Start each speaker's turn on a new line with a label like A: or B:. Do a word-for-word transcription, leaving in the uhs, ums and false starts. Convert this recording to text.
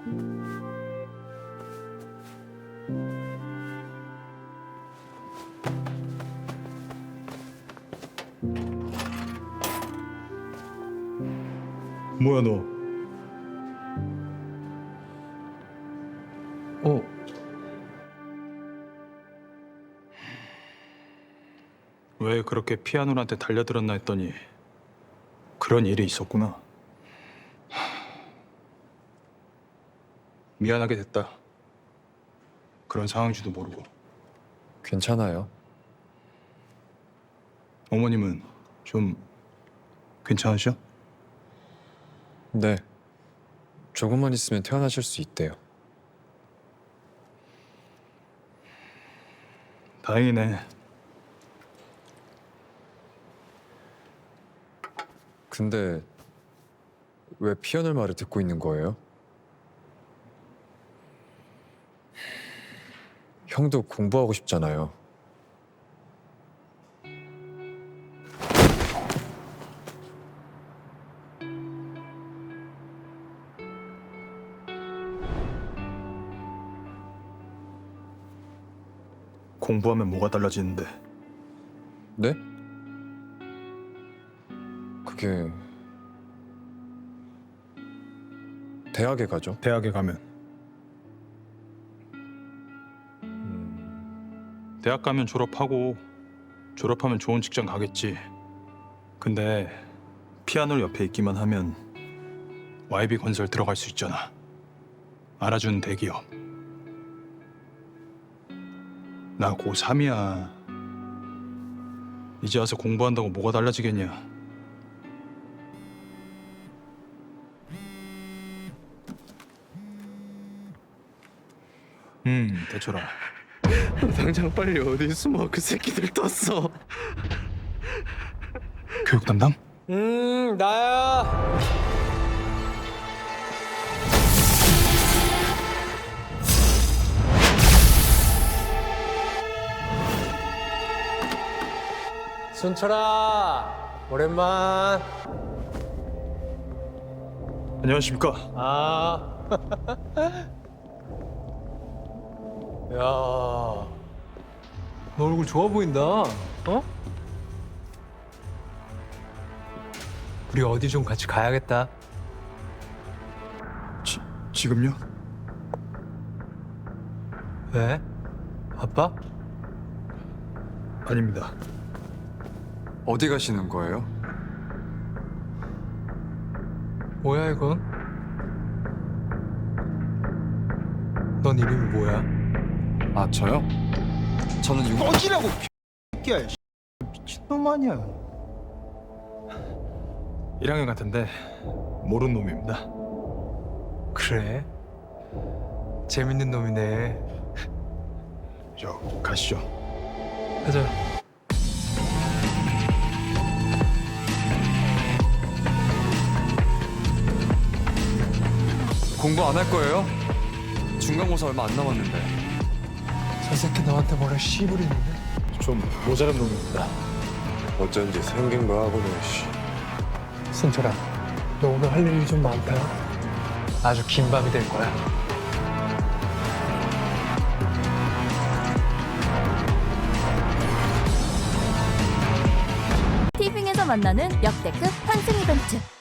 A: 뭐야 너?
B: 어?
A: 왜 그렇게 피아노한테 달려들었나 했더니 그런 일이 있었구나. 미안하게 됐다. 그런 상황인지도 모르고.
B: 괜찮아요.
A: 어머님은 좀 괜찮으셔?
B: 네. 조금만 있으면 태어나실 수 있대요.
A: 다행이네.
B: 근데 왜 피아노 말을 듣고 있는 거예요? 형도 공부하고 싶잖아요.
A: 공부하면 뭐가 달라지는데?
B: 네? 그게 대학에 가죠.
A: 대학에 가면.
B: 음,
A: 대학 가면 졸업하고 졸업하면 좋은 직장 가겠지. 근데 피아노 옆에 있기만 하면 와이비 건설 들어갈 수 있잖아. 알아주는 대기업. 나 고삼이야. 이제 와서 공부한다고 뭐가 달라지겠냐. 음, 대철아.
C: 당장 빨리 어디 숨어. 그 새끼들 떴어.
A: 교육 담당?
C: 음 나야. 순철아 오랜만.
A: 안녕하십니까.
C: 아. 야, 너 얼굴 좋아 보인다. 어? 우리 어디 좀 같이 가야겠다.
A: 지, 지금요?
C: 왜? 바빠?
A: 아닙니다.
B: 어디 가시는 거예요?
C: 뭐야 이건? 넌 이름이 뭐야?
B: 아, 저요? 저는 유...
A: 꺼지라고 X야. 미친놈 아니야. 일 학년 같은데 모르는 놈입니다.
C: 그래? 재밌는 놈이네.
A: 저 가시죠.
C: 가자.
B: 공부 안 할 거예요? 중간고사 얼마 안 남았는데.
C: 저 새끼 너한테 뭐라 씨부리는데?
A: 좀 모자란 놈입니다.
D: 어쩐지 생긴 거 하고는 씨.
C: 순철아, 너 오늘 할 일이 좀 많다. 아주 긴 밤이 될 거야.
E: 티빙에서 만나는 역대급 환승 이벤트.